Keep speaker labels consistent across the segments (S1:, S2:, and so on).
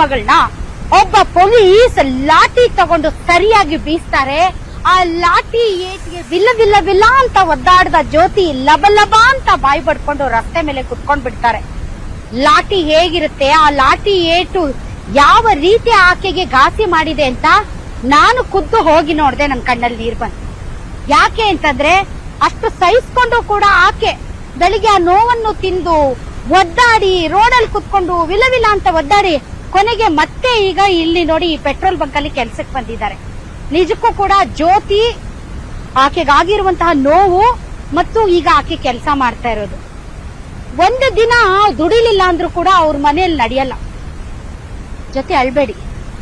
S1: ಹೆಣ್ಮಗಳನ್ನ ಒಬ್ಬ ಪೊಲೀಸ್ ಲಾಠಿ ತಗೊಂಡು ಸರಿಯಾಗಿ ಬೀಸ್ತಾರೆ. ಆ ಲಾಠಿ ಏಟಿಗೆ ವಿಲ್ಲ ವಿಲ್ಲ ವಿಲ್ಲ ಅಂತ ಒದ್ದಾಡ್ದ ಜ್ಯೋತಿ ಲಬ ಲಬ ಅಂತ ಬಾಯಿ ಪಡ್ಕೊಂಡು ರಸ್ತೆ ಮೇಲೆ ಕುತ್ಕೊಂಡ್ ಬಿಡ್ತಾರೆ. ಲಾಠಿ ಹೇಗಿರುತ್ತೆ, ಆ ಲಾಠಿ ಏಟು ಯಾವ ರೀತಿ ಆಕೆಗೆ ಘಾಸಿ ಮಾಡಿದೆ ಅಂತ ನಾನು ಖುದ್ದು ಹೋಗಿ ನೋಡ್ದೆ. ನನ್ ಕಣ್ಣಲ್ಲಿ ನೀರ್ ಬಂತು. ಯಾಕೆ ಅಂತಂದ್ರೆ ಅಷ್ಟು ಸಹಿಸ್ಕೊಂಡು ಕೂಡ ಆಕೆ ಬೆಳಿಗ್ಗೆ ಆ ನೋವನ್ನು ತಿಂದು ಒದ್ದಾಡಿ ರೋಡಲ್ಲಿ ಕುತ್ಕೊಂಡು ವಿಲ ವಿಲ ಅಂತ ಒದ್ದಾಡಿ ಕೊನೆಗೆ ಮತ್ತೆ ಈಗ ಇಲ್ಲಿ ನೋಡಿ ಈ ಪೆಟ್ರೋಲ್ ಬಂಕ್ ಅಲ್ಲಿ ಕೆಲ್ಸಕ್ಕೆ ಬಂದಿದ್ದಾರೆ. ನಿಜಕ್ಕೂ ಕೂಡ ಜ್ಯೋತಿ ಆಕೆಗಾಗಿರುವಂತಹ ನೋವು ಮತ್ತು ಈಗ ಆಕೆ ಕೆಲಸ ಮಾಡ್ತಾ ಇರೋದು. ಒಂದು ದಿನ ದುಡಿಲಿಲ್ಲ ಅಂದ್ರೂ ಕೂಡ ಅವ್ರ ಮನೆಯಲ್ಲಿ ನಡೆಯಲ್ಲ. ಜೊತೆ ಅಳ್ಬೇಡಿ.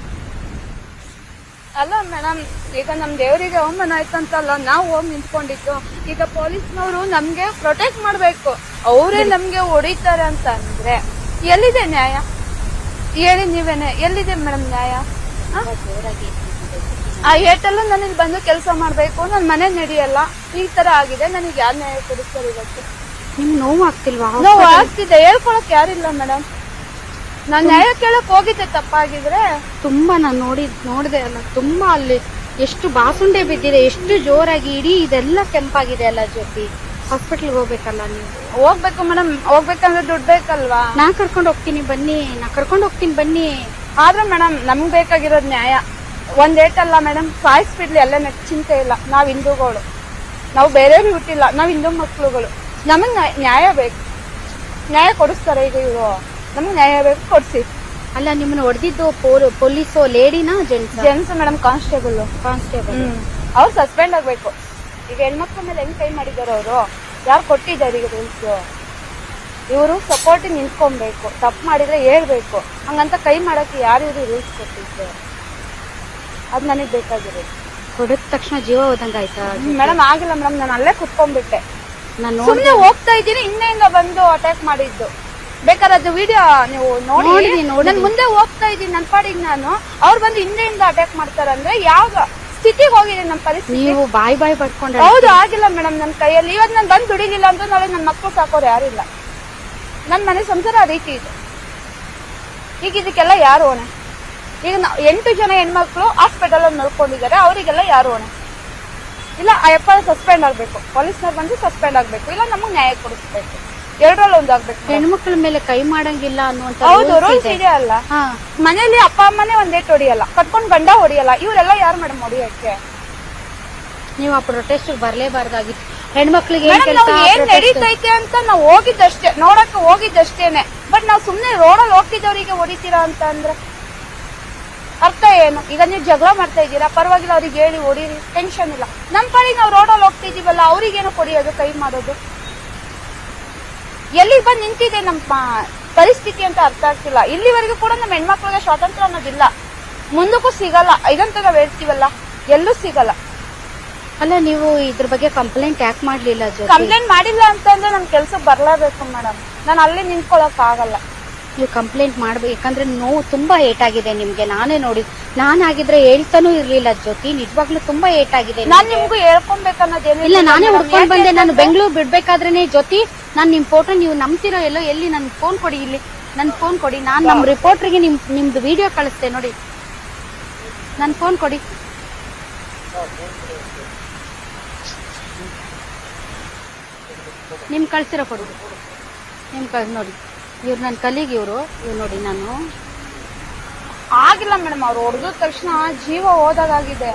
S2: ಅಲ್ಲ ಮೇಡಮ್, ಈಗ ನಮ್ ದೇವರಿಗೆ ಅವಮಾನ ಆಯ್ತಂತಲ್ಲ ನಾವು ಹೋಗಿ ನಿಂತ್ಕೊಂಡಿದ್ದು. ಈಗ ಪೊಲೀಸ್ನವರು ನಮ್ಗೆ ಪ್ರೊಟೆಕ್ಟ್ ಮಾಡ್ಬೇಕು. ಅವರೇ ನಮ್ಗೆ ಹೊಡಿತಾರೆ ಅಂತ ಅಂದ್ರೆ ಎಲ್ಲಿದೆ ನ್ಯಾಯ ಹೇಳಿ ನೀವೇನೆ? ಎಲ್ಲಿದೆ ಮೇಡಮ್ ನ್ಯಾಯ? ಆ ಏಟೆಲ್ಲ ನನಗೆ ಬಂದು ಕೆಲಸ ಮಾಡ್ಬೇಕು, ನನ್ ಮನೆ ನಡೆಯಲ್ಲ, ಈ ತರ ಆಗಿದೆ, ನನಗೆ ಯಾರು ನ್ಯಾಯ ಕೊಡಿಸ್ತಾರೆ ಇವತ್ತು?
S1: ನಿಮ್ ನೋವು ಆಗ್ತಿಲ್ವಾ?
S2: ನೋವು ಆಗ್ತಿದೆ, ಹೇಳ್ಕೊಳಕ್ ಯಾರಿಲ್ಲ ಮೇಡಮ್. ನಾನ್ ನ್ಯಾಯ ಕೇಳಕ್ ಹೋಗಿದ್ದೆ ತಪ್ಪಾಗಿದ್ರೆ.
S1: ತುಂಬಾ ನಾನು ನೋಡಿದೆ ಅಲ್ಲ, ತುಂಬಾ ಅಲ್ಲಿ ಎಷ್ಟು ಬಾಸುಂಡೆ ಬಿದ್ದಿದೆ, ಎಷ್ಟು ಜೋರಾಗಿ ಇಡೀ ಇದೆಲ್ಲ ಕೆಂಪಾಗಿದೆ ಅಲ್ಲ ಜ್ಯೋತಿ. ಹಾಸ್ಪಿಟಲ್ಗೆ ಹೋಗ್ಬೇಕಲ್ಲ ನೀವು?
S2: ಹೋಗ್ಬೇಕು ಮೇಡಮ್, ಹೋಗ್ಬೇಕಂದ್ರೆ ದುಡ್ಡು ಬೇಕಲ್ವಾ?
S1: ನಾ ಕರ್ಕೊಂಡು ಹೋಗ್ತೀನಿ ಬನ್ನಿ.
S2: ಆದ್ರೆ ಮೇಡಮ್ ನಮ್ಗ್ ಬೇಕಾಗಿರೋದ್ ನ್ಯಾಯ. ಒಂದ್ ಏಟಲ್ಲ ಮೇಡಮ್, ಸಾಯಿಸ್ಬಿಡ್ಲಿ ಎಲ್ಲ ಚಿಂತೆ ಇಲ್ಲ. ನಾವ್ ಹಿಂದೂಗಳು, ನಾವು ಬೇರೆಯವ್ರಿಗೆ ಹುಟ್ಟಿಲ್ಲ, ನಾವ್ ಹಿಂದೂ ಮಕ್ಳುಗಳು. ನಮಗ್ ನ್ಯಾಯ ಬೇಕು. ನ್ಯಾಯ ಕೊಡಿಸ್ತಾರೆ ಈಗ ಇವರು? ನಮಗ್ ನ್ಯಾಯ ಬೇಕು, ಕೊಡ್ಸಿ.
S1: ಅಲ್ಲ ನಿಮ್ಮನ್ನ ಹೊಡೆದಿದ್ದು ಪೊಲೀಸು ಲೇಡಿನಾ
S2: ಜೆಂಟ್ಸ್ ಮೇಡಮ್? ಕಾನ್ಸ್ಟೇಬಲ್ ಅವ್ರು ಸಸ್ಪೆಂಡ್ ಆಗ್ಬೇಕು. ಈಗ ಹೆಣ್ಮಕ್ಳ ಮೇಲೆ ಹೆಂಗ್ ಕೈ ಮಾಡಿದಾರ ಅವರು? ಯಾರು ಕೊಟ್ಟಿದ್ದಾರೆ ಈಗ ರೂಲ್ಸ್? ಇವರು ಸಪೋರ್ಟ್ ನಿಂತ್ಕೊಬೇಕು. ತಪ್ಪು ಮಾಡಿದ್ರೆ ಹೇಳ್ಬೇಕು. ಹಂಗಂತ ಕೈ ಮಾಡಕ್ಕೆ ಯಾರು ರೂಲ್ಸ್ ಕೊಟ್ಟಿದ್ದು? ಅದ್ ನನಗ್ ಬೇಕಾಗಿರೋದು.
S1: ಹೊಡೆದ ತಕ್ಷಣ ಜೀವ ಹೋದಂಗಾಯ್ತಾ
S2: ಮೇಡಮ್? ಆಗಿಲ್ಲ ಮೇಡಮ್, ನಾನು ಅಲ್ಲೇ ಕುತ್ಕೊಂಡ್ಬಿಟ್ಟೆ. ಸುಮ್ನೆ ಹೋಗ್ತಾ ಇದ್ದೀನಿ, ಹಿಂದೆಯಿಂದ ಬಂದು ಅಟ್ಯಾಕ್ ಮಾಡಿದ್ದು. ಬೇಕಾದ್ರೆ ಅದು ವಿಡಿಯೋ ನೀವು ನೋಡಿ. ನಾನು ಮುಂದೆ ಹೋಗ್ತಾ ಇದ್ದೀನಿ ನನ್ನ ಪಾಡಿಗೆ ನಾನು, ಅವ್ರು ಬಂದು ಹಿಂದೆಯಿಂದ ಅಟ್ಯಾಕ್ ಮಾಡ್ತಾರಂದ್ರೆ ಯಾವ ಸ್ಥಿತಿಗೆ ಹೋಗಿದೆ ನಮ್ಮ ಪರಿಸ್ಥಿತಿ?
S1: ನೀವು ಬಾಯ್ ಪಡ್ಕೊಂಡ್ರೆ
S2: ಹೌದು, ಆಗಿಲ್ಲ ಮೇಡಮ್ ನನ್ನ ಕೈಯಲ್ಲಿ. ಇವತ್ತು ನಾನು ಬಂದು ದುಡಿಲಿಲ್ಲ ಅಂದ್ರೆ ನಾಳೆ ನನ್ನ ಮಕ್ಕಳು ಸಾಕೋರು ಯಾರಿಲ್ಲ. ನನ್ನ ಮನೆ ಸಂಸಾರ ಆ ರೀತಿ ಇದೆ. ಈಗ ಇದಕ್ಕೆಲ್ಲ ಯಾರು ಹೊಣೆ? ಈಗ 8 ಜನ ಹೆಣ್ಮಕ್ಳು ಹಾಸ್ಪಿಟಲ್ ಅಲ್ಲಿ ನೋಡ್ಕೊಂಡಿದ್ದಾರೆ, ಅವರಿಗೆಲ್ಲ ಯಾರು ಹೊಣೆ? ಇಲ್ಲ ಅಯ್ಯಪ್ಪ ಸಸ್ಪೆಂಡ್ ಆಗ್ಬೇಕು, ಪೊಲೀಸ್ನವ್ರು ಬಂದು ಸಸ್ಪೆಂಡ್ ಆಗ್ಬೇಕು, ಇಲ್ಲ ನಮಗ್ ನ್ಯಾಯ ಕೊಡಿಸ್ಬೇಕು. ಎರಡರಲ್ಲಿ ಒಂದಾಗ್ಬೇಕು.
S1: ಹೆಣ್ಮಕ್ಳ ಮೇಲೆ ಕೈ ಮಾಡಂಗಿಲ್ಲ ಅನ್ನುವಂತ
S2: ಹೌದು, ರೂಲ್ಸ್ ಇದೆ ಅಲ್ಲ. ಮನೇಲಿ ಅಪ್ಪ ಅಮ್ಮನೇ ಒಂದೇಟ್ ಹೊಡಿಯಲ್ಲ, ಕಟ್ಕೊಂಡ್ ಗಂಡ ಹೊಡಿಯಲ್ಲ, ಇವರೆಲ್ಲ ಯಾರು ಮೇಡಮ್ ಹೊಡಿಯಕ್ಕೆ?
S1: ನೀವು ಆ ಪ್ರೊಟೆಸ್ಟ್ ಬರ್ಲೇಬಾರ್ದಾಗಿತ್ತು. ಹೆಣ್ಮಕ್ಳಿಗೆ
S2: ಏನ್ ನಡೀತೈತೆ ಅಂತ ನಾವು ಹೋಗಿದ್ದಷ್ಟೇ, ನೋಡಕ್ ಹೋಗಿದ್ದಷ್ಟೇನೆ. ಬಟ್ ನಾವ್ ಸುಮ್ನೆ ರೋಡಲ್ಲಿ ಹೋಗ್ತಿದ್ದವರಿಗೆ ಹೊಡಿತೀರಾ ಅಂತ ಅಂದ್ರೆ ಅರ್ಥ ಏನು? ಈಗ ನೀವು ಜಗಳ ಮಾಡ್ತಾ ಇದ್ದೀರಾ, ಪರವಾಗಿಲ್ಲ, ಅವ್ರಿಗೆ ಹೇಳಿ ಹೊಡೀರಿ, ಟೆನ್ಷನ್ ಇಲ್ಲ. ನಮ್ ಪಾಡಿಗೆ ನಾವು ರೋಡಲ್ಲಿ ಹೋಗ್ತಿದೀವಲ್ಲ, ಅವ್ರಿಗೇನು ಕೊಡಿಯೋದು, ಕೈ ಮಾಡೋದು? ಎಲ್ಲಿಗೆ ಬಂದು ನಿಂತಿದೆ ನಮ್ಮ ಪರಿಸ್ಥಿತಿ ಅಂತ ಅರ್ಥ ಆಗ್ತಿಲ್ಲ. ಇಲ್ಲಿವರೆಗೂ ಕೂಡ ನಮ್ಮ ಹೆಣ್ಮಕ್ಳಿಗೆ ಸ್ವಾತಂತ್ರ್ಯ ಅನ್ನೋದಿಲ್ಲ, ಮುಂದಕ್ಕೂ ಸಿಗಲ್ಲ. ಇದೊಂಥರ ಹೇಳ್ತೀವಲ್ಲ, ಎಲ್ಲೂ ಸಿಗಲ್ಲ.
S1: ಅಲ್ಲ ನೀವು ಇದ್ರ ಬಗ್ಗೆ ಕಂಪ್ಲೇಂಟ್ ಯಾಕೆ ಮಾಡ್ಲಿಲ್ಲ?
S2: ಕಂಪ್ಲೇಂಟ್ ಮಾಡಿಲ್ಲ ಅಂತಂದ್ರೆ ನಮ್ ಕೆಲ್ಸಕ್ಕೆ ಬರ್ಲೇಬೇಕು ಮೇಡಮ್. ನಾನು ಅಲ್ಲಿ ನಿಂತ್ಕೊಳಕ್ ಆಗಲ್ಲ.
S1: ನೀವು ಕಂಪ್ಲೇಂಟ್ ಮಾಡ್ಬೇಕು, ಯಾಕಂದ್ರೆ ನೋವು ತುಂಬಾ ಏಟಾಗಿದೆ ನಿಮ್ಗೆ. ನಾನೇ ನೋಡಿ, ನಾನಾಗಿದ್ರೆ ಹೇಳ್ತಾನೂ ಇರ್ಲಿಲ್ಲ ಜ್ಯೋತಿ. ನಿಜವಾಗ್ಲೂ ತುಂಬಾ ಏಟಾಗಿದೆ.
S2: ನಾನ್ ನಿಮ್ಗೂ ಹೇಳ್ಕೊಬೇಕನ್ನೋದೇನು
S1: ಇಲ್ಲ, ನಾನೇ ಹುಡ್ಕೊಂಡ್ ಬಂದೆ. ನಾನು ಬೆಂಗಳೂರು ಬಿಡ್ಬೇಕಾದ್ರೇನೆ ಜ್ಯೋತಿ, ನಾನ್ ನಿಮ್ ಫೋಟೋ ನೀವು ನಂಬ್ತಿರೋ ಎಲ್ಲೋ, ಎಲ್ಲಿ ನನ್ ಫೋನ್ ಕೊಡಿ, ಇಲ್ಲಿ ನನ್ ಫೋನ್ ಕೊಡಿ. ನಾನ್ ನಮ್ ರಿಪೋರ್ಟರ್ಗೆ ನಿಮ್ದು ವಿಡಿಯೋ ಕಳಿಸ್ತೆ ನೋಡಿ. ನನ್ ಫೋನ್ ಕೊಡಿ. ನಿಮ್ ಕಳ್ಸಿರೋ ಕೊಡಿ. ನೋಡಿ, ಇವ್ರು ನನ್ನ ಕಲೀಗ್, ಇವ್ರು ನೋಡಿ. ನಾನು
S2: ಆಗಿಲ್ಲ ಮೇಡಮ್, ಅವ್ರು ಹೊಡೆದ ತಕ್ಷಣ ಜೀವ ಹೋದಾಗಿದೆ.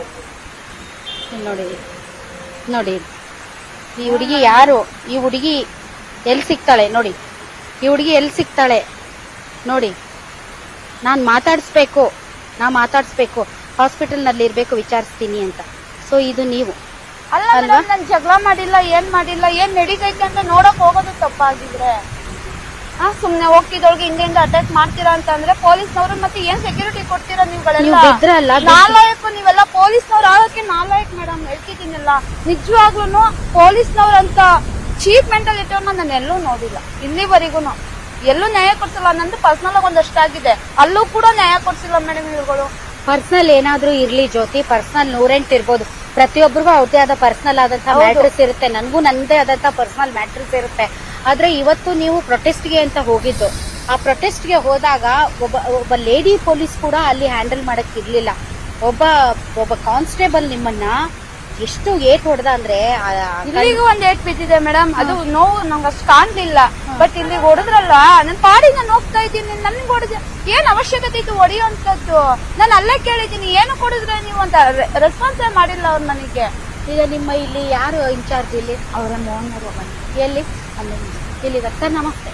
S1: ನೋಡಿ ಈ ಹುಡುಗಿ ಯಾರು? ಈ ಹುಡುಗಿ ಎಲ್ಲಿ ಸಿಗ್ತಾಳೆ ನೋಡಿ? ಈ ಹುಡುಗಿ ಎಲ್ಲಿ ಸಿಗ್ತಾಳೆ ನೋಡಿ? ನಾ ಮಾತಾಡಿಸ್ಬೇಕು ಹಾಸ್ಪಿಟಲ್ ನಲ್ಲಿ ಇರ್ಬೇಕು, ವಿಚಾರಿಸ್ತೀನಿ ಅಂತ. ಸೊ ಇದು ನೀವು
S2: ಅಲ್ಲ, ನಾನು ಜಗಳ ಮಾಡಿಲ್ಲ, ಏನ್ ನಡೀತೈತೆ ಅಂತ ನೋಡಕ್ ಹೋಗೋದು ತಪ್ಪಾಗಿದ್ರೆ ಸುಮ್ನೆ ಹೋಗ್ತಿದ್ದೊಳಗೆ ಹಿಂದೆಯಿಂದ ಅಟ್ಯಾಕ್ ಮಾಡ್ತೀರಾ ಅಂತ ಅಂದ್ರೆ ಪೊಲೀಸ್ನವರು ಮತ್ತೆ ಏನ್ ಸೆಕ್ಯೂರಿಟಿ ಕೊಡ್ತೀರಾ ನೀವುಗಳೆಲ್ಲ? ನಾಲಾಯಕ್ ನೀವೆಲ್ಲ ಪೊಲೀಸ್ನವ್ರು ಆಗೋಕೆ ನಾಲಾಯಕ್ ಮೇಡಮ್, ಹೇಳ್ತಿದ್ದೀನಲ್ಲ. ನಿಜವಾಗ್ಲೂ ಪೊಲೀಸ್ನವ್ರಂತ ಚೀಪ್ ಮೆಂಟಾಲಿಟಿ ನಾನು ಎಲ್ಲೂ ನೋಡಿಲ್ಲ ಇಲ್ಲಿವರೆಗೂ. ಎಲ್ಲೂ ನ್ಯಾಯ ಕೊಡ್ಸಿಲ್ಲ. ನಂದು ಪರ್ಸನಲ್ ಆಗಿ ಒಂದಷ್ಟಾಗಿದೆ, ಅಲ್ಲೂ ಕೂಡ ನ್ಯಾಯ ಕೊಡ್ಸಿಲ್ಲ ಮೇಡಮ್ ಇವ್ರುಗಳು.
S1: ಪರ್ಸನಲ್ ಏನಾದ್ರೂ ಇರ್ಲಿ ಜ್ಯೋತಿ, ಪರ್ಸನಲ್ 108 ಇರ್ಬೋದು. ಪ್ರತಿಯೊಬ್ಬರಿಗೂ ಅವ್ರದೇ ಆದ ಪರ್ಸನಲ್ ಆದಂತಹ ಮ್ಯಾಟ್ರಿಕ್ಸ್ ಇರುತ್ತೆ, ನನ್ಗೂ ನಂದೇ ಆದಂತಹ ಪರ್ಸನಲ್ ಮ್ಯಾಟ್ರಿಕ್ಸ್ ಇರುತ್ತೆ. ಆದ್ರೆ ಇವತ್ತು ನೀವು ಪ್ರೊಟೆಸ್ಟ್ಗೆ ಅಂತ ಹೋಗಿದ್ದು, ಆ ಪ್ರೊಟೆಸ್ಟ್ಗೆ ಹೋದಾಗ ಒಬ್ಬ ಲೇಡಿ ಪೊಲೀಸ್ ಕೂಡ ಅಲ್ಲಿ ಹ್ಯಾಂಡಲ್ ಮಾಡಕ್ ಇರ್ಲಿಲ್ಲ. ಒಬ್ಬ ಕಾನ್ಸ್ಟೇಬಲ್ ನಿಮ್ಮನ್ನ ಎಷ್ಟು ಏಟ್ ಹೊಡೆದ ಅಂದ್ರೆ
S2: ಇಲ್ಲಿಗೂ ಒಂದ್ ಏಟ್ ಬಿದ್ದಿದೆ ಮೇಡಮ್. ಅದು ನೋವು ನಂಗೆ ಅಷ್ಟು ಕಾಣ್ಲಿಲ್ಲ. ಬಟ್ ಇಲ್ಲಿ ಹೊಡೆದ್ರಲ್ಲ, ನನ್ ಪಾಡಿ ನಾನು ಹೋಗ್ತಾ ಇದ್ದೀನಿ, ನನ್ಗೆ ಹೊಡೆದ ಏನ್ ಅವಶ್ಯಕತೆ ಇತ್ತು ಹೊಡೆಯುವಂತದ್ದು? ನಾನು ಅಲ್ಲೇ ಕೇಳಿದ್ದೀನಿ, ಏನು ಕೊಡಿದ್ರೆ ನೀವು ಅಂತ ರೆಸ್ಪಾನ್ಸೇ ಮಾಡಿಲ್ಲ ಅವ್ರು ನನಗೆ.
S1: ಈಗ ನಿಮ್ಮ ಇಲ್ಲಿ ಯಾರು ಇನ್ಚಾರ್ಜ್ ಇಲ್ಲಿ?
S2: ಅವರ ಮೋಹನ್
S1: ಎಲ್ಲಿ? ಅಲ್ಲಿ ಇಲ್ಲಿಗ. ಸರ್ ನಮಸ್ತೆ.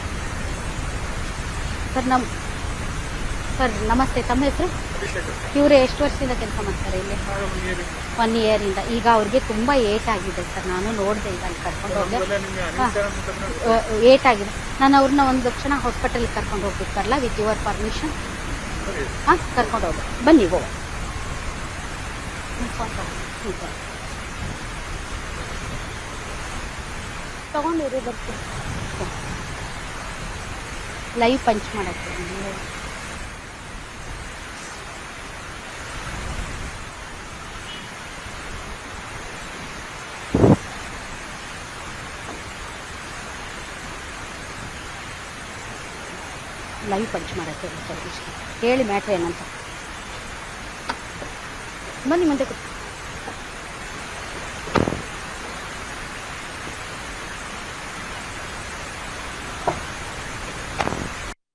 S1: ಸರ್ ನಮಸ್ತೆ, ತಮ್ಮ ಹೆಸರು? ಇವ್ರೆ ಎಷ್ಟು ವರ್ಷದಿಂದ ಕೆಲಸ ಮಾಡ್ತಾರೆ ಇಲ್ಲಿ? 1 year ಇಂದ. ಈಗ ಅವ್ರಿಗೆ ತುಂಬಾ ಏಟ್ ಆಗಿದೆ ಸರ್, ನಾನು ನೋಡಿದೆ, ಈಗ ಅಲ್ಲಿ ಕರ್ಕೊಂಡು ಹೋದೆ. ಏಟ್ ಆಗಿದೆ. ನಾನು ಅವ್ರನ್ನ ಒಂದು ಕ್ಷಣ ಹಾಸ್ಪಿಟಲ್ ಕರ್ಕೊಂಡು ಹೋಗ್ಬೇಕಲ್ಲ, ವಿತ್ ಯುವರ್ ಪರ್ಮಿಷನ್? ಕರ್ಕೊಂಡು ಹೋಗಿ ಬನ್ನಿ. ತಗೊಂಡಿರಿ, ಬರ್ತೀನಿ. ಲೈವ್ ಪಂಚ್ ಮಾಡಕ್ಕೆ ಹೇಳಿ ಮ್ಯಾಟ್ರ್ ಏನಂತ. ಬನ್ನಿ ಮುಂದೆ